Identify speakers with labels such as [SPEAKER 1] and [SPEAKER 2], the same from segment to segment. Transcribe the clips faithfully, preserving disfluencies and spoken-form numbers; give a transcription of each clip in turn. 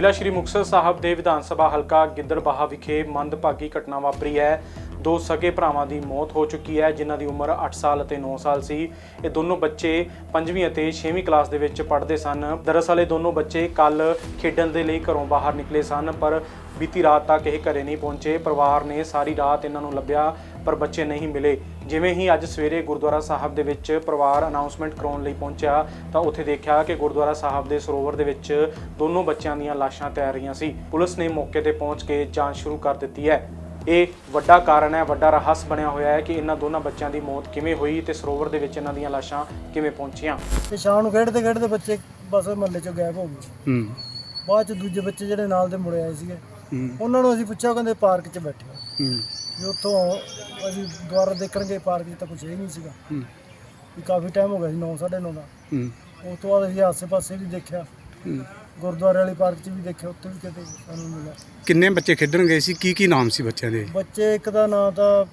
[SPEAKER 1] ਜ਼ਿਲ੍ਹਾ ਸ਼੍ਰੀ ਮੁਕਤਸਰ ਸਾਹਿਬ ਦੇ ਵਿਧਾਨ ਸਭਾ ਹਲਕਾ ਗਿੱਦੜਬਾਹਾ ਵਿਖੇ ਮੰਦਭਾਗੀ ਘਟਨਾ ਵਾਪਰੀ ਹੈ। ਦੋ ਸਗੇ ਭਰਾਵਾਂ ਦੀ ਮੌਤ ਹੋ ਚੁੱਕੀ ਹੈ, ਜਿਨ੍ਹਾਂ ਦੀ ਉਮਰ ਅੱਠ ਸਾਲ ਅਤੇ ਨੌ ਸਾਲ ਸੀ। ਇਹ ਦੋਨੋਂ ਬੱਚੇ ਪੰਜਵੀਂ ਅਤੇ ਛੇਵੀਂ ਕਲਾਸ ਦੇ ਵਿੱਚ ਪੜ੍ਹਦੇ ਸਨ। ਦਰਅਸਲ ਇਹ ਦੋਨੋਂ ਬੱਚੇ ਕੱਲ ਖੇਡਣ ਦੇ ਲਈ ਘਰੋਂ ਬਾਹਰ ਨਿਕਲੇ ਸਨ, ਪਰ ਬੀਤੀ ਰਾਤ ਤੱਕ ਇਹ ਘਰੇ ਨਹੀਂ ਪਹੁੰਚੇ। ਪਰਿਵਾਰ ਨੇ ਸਾਰੀ ਰਾਤ ਇਹਨਾਂ ਨੂੰ ਲੱਭਿਆ, ਪਰ ਬੱਚੇ ਨਹੀਂ ਮਿਲੇ। ਜਿਵੇਂ ਹੀ ਅੱਜ ਸਵੇਰੇ ਗੁਰਦੁਆਰਾ ਸਾਹਿਬ ਦੇ ਵਿੱਚ ਪਰਿਵਾਰ ਅਨਾਉਂਸਮੈਂਟ ਕਰਾਉਣ ਲਈ ਪਹੁੰਚਿਆ ਤਾਂ ਉੱਥੇ ਦੇਖਿਆ ਕਿ ਗੁਰਦੁਆਰਾ ਸਾਹਿਬ ਦੇ ਸਰੋਵਰ ਦੇ ਵਿੱਚ ਦੋਨੋਂ ਬੱਚਿਆਂ ਦੀਆਂ ਲਾਸ਼ਾਂ ਤੈਰ ਰਹੀਆਂ ਸੀ। ਪੁਲਿਸ ਨੇ ਮੌਕੇ ਤੇ ਪਹੁੰਚ ਕੇ ਜਾਂਚ ਸ਼ੁਰੂ ਕਰ ਦਿੱਤੀ ਹੈ। ਇਹ ਵੱਡਾ ਕਾਰਨ ਹੈ, ਵੱਡਾ ਰਹੱਸ ਬਣਿਆ ਹੋਇਆ ਹੈ ਕਿ ਇਹਨਾਂ ਦੋਨਾਂ ਬੱਚਿਆਂ ਦੀ ਮੌਤ ਕਿਵੇਂ ਹੋਈ ਤੇ ਸਰੋਵਰ ਦੇ ਵਿੱਚ ਇਹਨਾਂ ਦੀਆਂ ਲਾਸ਼ਾਂ ਕਿਵੇਂ ਪਹੁੰਚੀਆਂ।
[SPEAKER 2] ਤੇ ਸ਼ਾਮ ਨੂੰ ਖੇਡਦੇ ਖੇਡਦੇ ਬੱਚੇ ਬਸ ਮਹੱਲੇ 'ਚੋਂ ਗਾਇਬ ਹੋ ਗਏ।
[SPEAKER 3] ਹੂੰ
[SPEAKER 2] ਬਾਅਦ 'ਚ ਦੂਜੇ ਬੱਚੇ ਜਿਹੜੇ ਨਾਲ ਦੇ ਮੁੜੇ ਆਏ ਸੀਗੇ,
[SPEAKER 3] ਹੂੰ
[SPEAKER 2] ਉਹਨਾਂ ਨੂੰ ਅਸੀਂ ਪੁੱਛਿਆ, ਕਹਿੰਦੇ ਪਾਰਕ 'ਚ ਬੈਠੇ ਆ।
[SPEAKER 3] ਹੂੰ
[SPEAKER 2] ਵੀ ਉੱਥੋਂ ਅਸੀਂ ਦੁਬਾਰਾ ਦੇਖਣਗੇ, ਪਾਰਕ 'ਚ ਤਾਂ ਕੁਛ ਹੀ ਨਹੀਂ ਸੀਗਾ।
[SPEAKER 3] ਹੂੰ
[SPEAKER 2] ਵੀ ਕਾਫੀ ਟਾਈਮ ਹੋ ਗਿਆ ਸੀ, ਨੌ ਸਾਢੇ ਨੌ ਦਾ।
[SPEAKER 3] ਹੂੰ
[SPEAKER 2] ਉਸ ਤੋਂ ਬਾਅਦ ਅਸੀਂ ਆਸੇ ਪਾਸੇ ਵੀ ਦੇਖਿਆ,
[SPEAKER 3] ਹੂੰ।
[SPEAKER 2] ਗੁਰਦੁਆਰੇ ਵਾਲੀ ਪਾਰਕ 'ਚ ਵੀ ਦੇਖਿਆ, ਉੱਥੇ ਵੀ ਕਿਤੇ ਸਾਨੂੰ ਮਿਲਿਆ।
[SPEAKER 3] ਕਿੰਨੇ ਬੱਚੇ ਖੇਡਣ ਗਏ ਸੀ? ਕੀ ਕੀ ਨਾਮ ਸੀ ਬੱਚਿਆਂ ਦੇ?
[SPEAKER 2] ਬੱਚੇ ਇੱਕ ਦਾ ਨਾਂ ਤਾਂ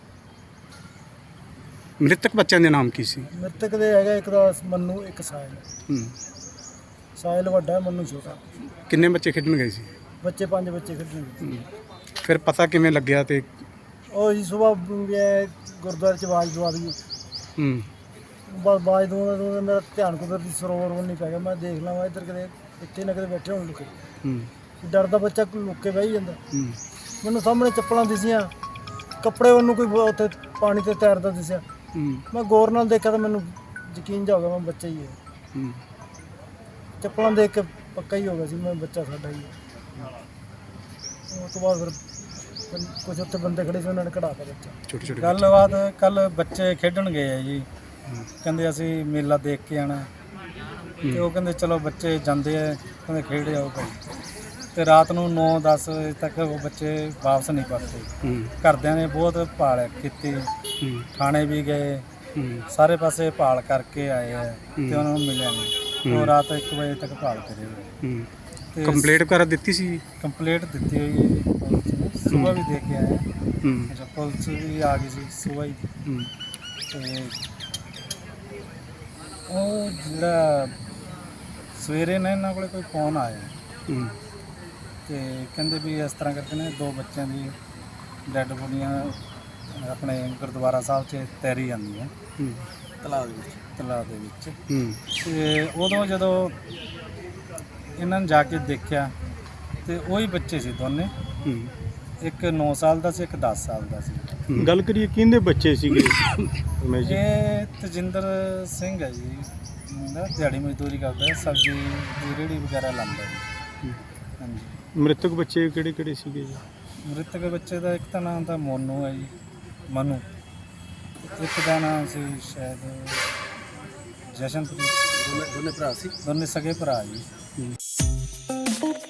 [SPEAKER 3] ਮ੍ਰਿਤਕ ਬੱਚਿਆਂ ਦੇ ਨਾਮ ਕੀ ਸੀ?
[SPEAKER 2] ਮ੍ਰਿਤਕ ਦੇ ਹੈਗਾ, ਇੱਕ ਦਾ ਮੰਨੂ, ਇੱਕ ਸਾਹਿਲ।
[SPEAKER 3] ਹੂੰ।
[SPEAKER 2] ਸਾਹਿਲ ਵੱਡਾ ਹੈ, ਮੰਨੂ ਛੋਟਾ।
[SPEAKER 3] ਕਿੰਨੇ ਬੱਚੇ ਖੇਡਣ ਗਏ ਸੀ?
[SPEAKER 2] ਬੱਚੇ ਪੰਜ ਬੱਚੇ ਖੇਡਣਗੇ।
[SPEAKER 3] ਹੂੰ। ਫਿਰ ਪਤਾ ਕਿਵੇਂ ਲੱਗਿਆ? ਤੇ
[SPEAKER 2] ਉਹ ਜੀ ਸੁਬਾਹ ਗੁਰਦੁਆਰੇ 'ਚ ਆਵਾਜ਼ ਦਵਾ ਦਈ।
[SPEAKER 3] ਹੂੰ
[SPEAKER 2] ਬਸ ਆਵਾਜ਼ ਦਵਾਉਂਦਾ ਦਵਾਉਂਦਾ ਮੇਰਾ ਧਿਆਨ ਕੁਦਰਤੀ ਸਰੋਵਰ ਵੱਲ ਨਹੀਂ ਪੈ ਗਿਆ। ਮੈਂ ਦੇਖ ਲਵਾਂ ਇੱਧਰ ਕਿਤੇ ਇੱਥੇ ਨਾ ਕਿਤੇ ਬੈਠੇ ਹੋਣ ਲੁਕੇ।
[SPEAKER 3] ਹੂੰ
[SPEAKER 2] ਡਰਦਾ ਬੱਚਾ ਕੋਈ ਲੁੱਕ ਕੇ ਬਹਿ ਜਾਂਦਾ।
[SPEAKER 3] ਹੂੰ
[SPEAKER 2] ਮੈਨੂੰ ਸਾਹਮਣੇ ਚੱਪਲਾਂ ਦਿਸੀਆਂ, ਕੱਪੜੇ ਉਹਨੂੰ ਕੋਈ ਉੱਥੇ ਪਾਣੀ ਤੇ ਤੈਰਦਾ ਦਿਸਿਆ।
[SPEAKER 3] ਹੂੰ
[SPEAKER 2] ਮੈਂ ਗੌਰ ਨਾਲ ਦੇਖਿਆ ਤਾਂ ਮੈਨੂੰ ਯਕੀਨ ਜਾ ਹੋ ਗਿਆ, ਮੈਂ ਬੱਚਾ ਹੀ ਹੈ।
[SPEAKER 3] ਹੂੰ।
[SPEAKER 2] ਚੱਪਲਾਂ ਦੇਖ ਕੇ ਪੱਕਾ ਹੀ ਹੋ ਗਿਆ ਸੀ ਮੈਂ ਬੱਚਾ ਸਾਡਾ ਹੀ ਹੈ। ਉਸ ਤੋਂ ਬਾਅਦ ਫਿਰ ਕੁਝ ਉੱਥੇ ਬੰਦੇ ਖੜੇ ਸੀ, ਉਹਨਾਂ ਨੇ ਕਢਾਤਾ ਬੱਚਾ।
[SPEAKER 3] ਛੋਟੇ ਛੋਟੇ
[SPEAKER 2] ਗੱਲਬਾਤ ਕੱਲ ਬੱਚੇ ਖੇਡਣ ਗਏ ਆ ਜੀ, ਕਹਿੰਦੇ ਅਸੀਂ ਮੇਲਾ ਦੇਖ ਕੇ ਆਣਾ। ਤੇ ਉਹ ਕਹਿੰਦੇ ਚਲੋ ਬੱਚੇ ਜਾਂਦੇ ਆ, ਕਹਿੰਦੇ ਖੇਡ ਜਾਓ ਭਾਈ। ਤੇ ਰਾਤ ਨੂੰ ਨੌ ਦਸ ਵਜੇ ਤੱਕ ਉਹ ਬੱਚੇ ਵਾਪਸ ਨਹੀਂ ਪਰਤੇ।
[SPEAKER 3] ਹੂੰ
[SPEAKER 2] ਘਰਦਿਆਂ ਨੇ ਬਹੁਤ ਭਾਲ ਕੀਤੀ,
[SPEAKER 3] ਹੂੰ
[SPEAKER 2] ਥਾਣੇ ਵੀ ਗਏ,
[SPEAKER 3] ਹੂੰ
[SPEAKER 2] ਸਾਰੇ ਪਾਸੇ ਭਾਲ ਕਰਕੇ ਆਏ ਆ ਤੇ ਉਹਨਾਂ ਨੂੰ ਮਿਲਿਆ ਨਹੀਂ। ਉਹ ਰਾਤ ਇੱਕ ਵਜੇ ਤੱਕ ਭਾਲ ਕਰੇ ਹੋਏ।
[SPEAKER 3] ਹੂੰ।
[SPEAKER 2] ਤੇ
[SPEAKER 3] ਕੰਪਲੇਂਟ ਵਗੈਰਾ ਦਿੱਤੀ ਸੀ?
[SPEAKER 2] ਕੰਪਲੀਟ ਦਿੱਤੀ ਹੋਈ ਹੈ ਜੀ ਪੁਲਿਸ ਨੇ, ਸੁਬਾਹ ਵੀ ਦੇ ਕੇ ਆਏ ਆ।
[SPEAKER 3] ਹੂੰ
[SPEAKER 2] ਅੱਛਾ, ਪੁਲਿਸ ਵੀ ਆ ਗਈ ਸੀ ਸੁਬਾਹ ਹੀ।
[SPEAKER 3] ਹੂੰ
[SPEAKER 2] ਤੇ ਉਹ ਜਿਹੜਾ ਸਵੇਰੇ ਨਾ ਇਹਨਾਂ ਕੋਲੇ ਕੋਈ ਫੋਨ ਆਇਆ
[SPEAKER 3] ਹੂੰ
[SPEAKER 2] ਤੇ ਕਹਿੰਦੇ ਵੀ ਇਸ ਤਰ੍ਹਾਂ ਕਰਕੇ ਨੇ ਦੋ ਬੱਚਿਆਂ ਦੀ ਡੈੱਡ ਬੋਡੀਆਂ ਆਪਣੇ ਗੁਰਦੁਆਰਾ ਸਾਹਿਬ 'ਚ ਤੈਰੀ ਜਾਂਦੀਆਂ
[SPEAKER 3] ਹੂੰ
[SPEAKER 2] ਤਲਾਬ ਦੇ ਵਿੱਚ ਤਲਾਬ ਦੇ ਵਿੱਚ
[SPEAKER 3] ਹੂੰ
[SPEAKER 2] ਤੇ ਉਦੋਂ ਜਦੋਂ ਇਹਨਾਂ ਨੇ ਜਾ ਕੇ ਦੇਖਿਆ ਤੇ ਉਹੀ ਬੱਚੇ ਸੀ ਦੋਨੇ।
[SPEAKER 3] ਹੂੰ।
[SPEAKER 2] ਇੱਕ ਨੌ ਸਾਲ ਦਾ ਸੀ, ਇੱਕ ਦਸ ਸਾਲ ਦਾ ਸੀ।
[SPEAKER 4] ਗੱਲ ਕਰੀਏ ਕਿਹਦੇ ਬੱਚੇ ਸੀਗੇ?
[SPEAKER 2] ਇਹ ਤਜਿੰਦਰ ਸਿੰਘ ਹੈ ਜੀ, ਮੁੰਡਾ ਦਿਹਾੜੀ ਮਜ਼ਦੂਰੀ ਕਰਦਾ ਹੈ, ਸਬਜ਼ੀ ਦੀ ਰੇਹੜੀ ਵਗੈਰਾ ਲਾਉਂਦਾ ਜੀ। ਹਾਂਜੀ।
[SPEAKER 4] ਮ੍ਰਿਤਕ ਬੱਚੇ ਕਿਹੜੇ ਕਿਹੜੇ ਸੀਗੇ ਜੀ?
[SPEAKER 2] ਮ੍ਰਿਤਕ ਬੱਚੇ ਦਾ ਇੱਕ ਤਾਂ ਨਾਮ ਤਾਂ ਮੋਨੂ ਹੈ ਜੀ, ਮਨੂ। ਇੱਕ ਦਾ ਨਾਮ ਸੀ ਸ਼ਾਇਦ ਜਸ਼ਨਪ੍ਰੀਤ। ਦੋਨੇ ਦੋਨੇ ਭਰਾ ਸੀ, ਦੋਨੇ ਸਗੇ ਭਰਾ ਜੀ।